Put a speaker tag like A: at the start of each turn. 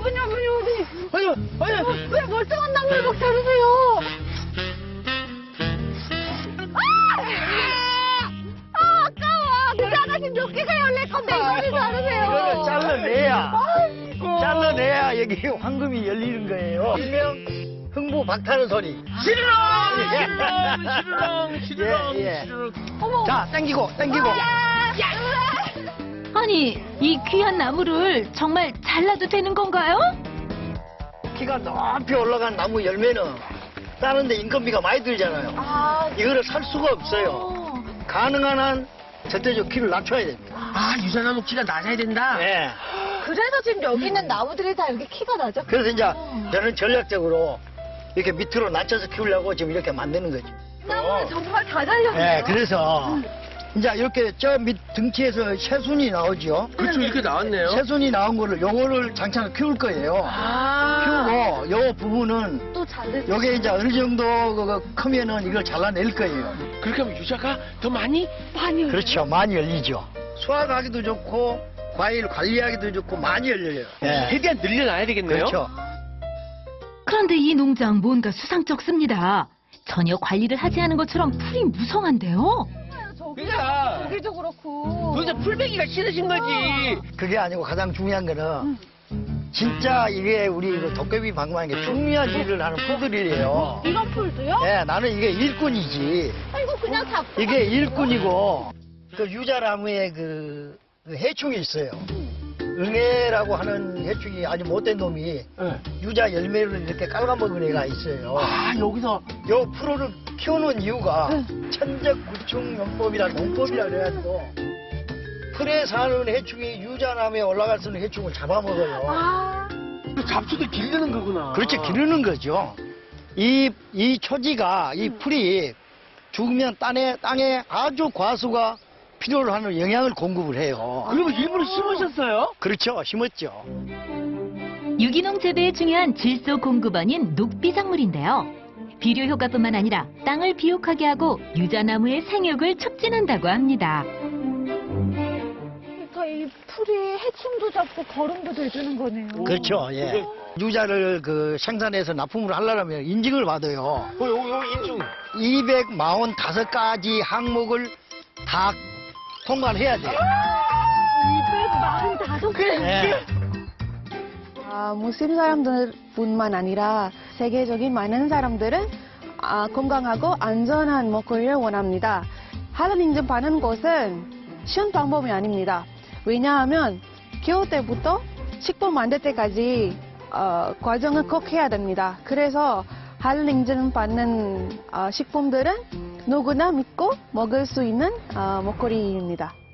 A: 아버님.
B: 아니.
A: 왜 멀쩡한 나무를 막 자르세요? 아까워. 그 아가씨 몇 개가 열릴 건데 이거를 자르세요.
B: 이거를 잘라내야 여기 황금이 열리는 거예요. 일명 흥부 박타는 소리.
C: 시르렁.
B: 예. 자, 당기고.
D: 아니, 이 귀한 나무를 정말 잘라도 되는 건가요?
B: 키가 높이 올라간 나무 열매는 따는데 인건비가 많이 들잖아요. 이거를 살 수가 없어요. 가능한 한 절대적 키를 낮춰야 됩니다.
C: 아, 유자나무 키가 낮아야 된다?
B: 네.
A: 그래서 지금 여기 있는 나무들이 다 이렇게 키가 낮아?
B: 그래서 이제 저는 전략적으로 이렇게 밑으로 낮춰서 키우려고 지금 이렇게 만드는 거죠.
A: 나무는 정말 다 잘렸네요.
B: 네, 그래서 이제 이렇게 저 밑 등치에서 새순이 나오죠.
C: 그렇죠, 이렇게 나왔네요.
B: 새순이 나온 거를 요거를 장창을 키울 거예요. 키우고 요 부분은
A: 또 자르세요.
B: 요게 이제 어느 정도 크면은 이걸 잘라낼 거예요.
C: 그렇게 하면 유자가 더 많이?
A: 많이
B: 그렇죠. 많이 열리죠. 수확하기도 좋고 과일 관리하기도 좋고 많이 열려요. 예.
C: 최대한 늘려놔야 되겠네요.
B: 그렇죠.
D: 그런데 이 농장 뭔가 수상쩍습니다. 전혀 관리를 하지 않은 것처럼 풀이 무성한데요.
A: 저기도 그렇고.
C: 도대체 풀베기가 싫으신 거지.
B: 그게 아니고 가장 중요한 거는 진짜 이게 우리 그 도깨비 방망이 게 중요한 일을 하는 풀들이에요.
A: 이런 풀도요?
B: 네, 나는 이게 일꾼이지.
A: 이거 그냥 다.
B: 이게 일꾼이고 그 유자나무에 그 해충이 있어요. 응애라고 하는 해충이 아주 못된 놈이 유자 열매를 이렇게 깔아먹은 애가 있어요.
C: 아, 여기서.
B: 요 풀을 키우는 이유가 천적구충용법이라는 용법이라 그래가지고 풀에 사는 해충이 유자나무에 올라갈 수 있는 해충을 잡아먹어요.
C: 잡초도 기르는 거구나.
B: 그렇지, 기르는 거죠. 이 초지가, 이 풀이 죽으면 땅에 아주 과수가 필요로 하는 영양을 공급을 해요.
C: 그리고 일부러 심으셨어요?
B: 그렇죠, 심었죠.
D: 유기농 재배에 중요한 질소 공급원인 녹비작물인데요. 비료 효과뿐만 아니라 땅을 비옥하게 하고 유자나무의 생육을 촉진한다고 합니다.
A: 그러니까 이 풀이 해충도 잡고 거름도 돼주는 거네요.
B: 그렇죠, 예. 유자를 그 생산해서 납품을 하려면 인증을 받아요.
C: 요 인중.
B: 245가지 항목을 다 통과를 해야 돼요.
A: 245개?
B: 네.
E: 무슬림 사람들뿐만 아니라 세계적인 많은 사람들은 건강하고 안전한 먹거리를 원합니다. 할랄 인증받는 것은 쉬운 방법이 아닙니다. 왜냐하면 키울 때부터 식품 만들 때까지 과정을 꼭 해야 됩니다. 그래서 할랄 인증받는 식품들은 누구나 믿고 먹을 수 있는 먹거리입니다.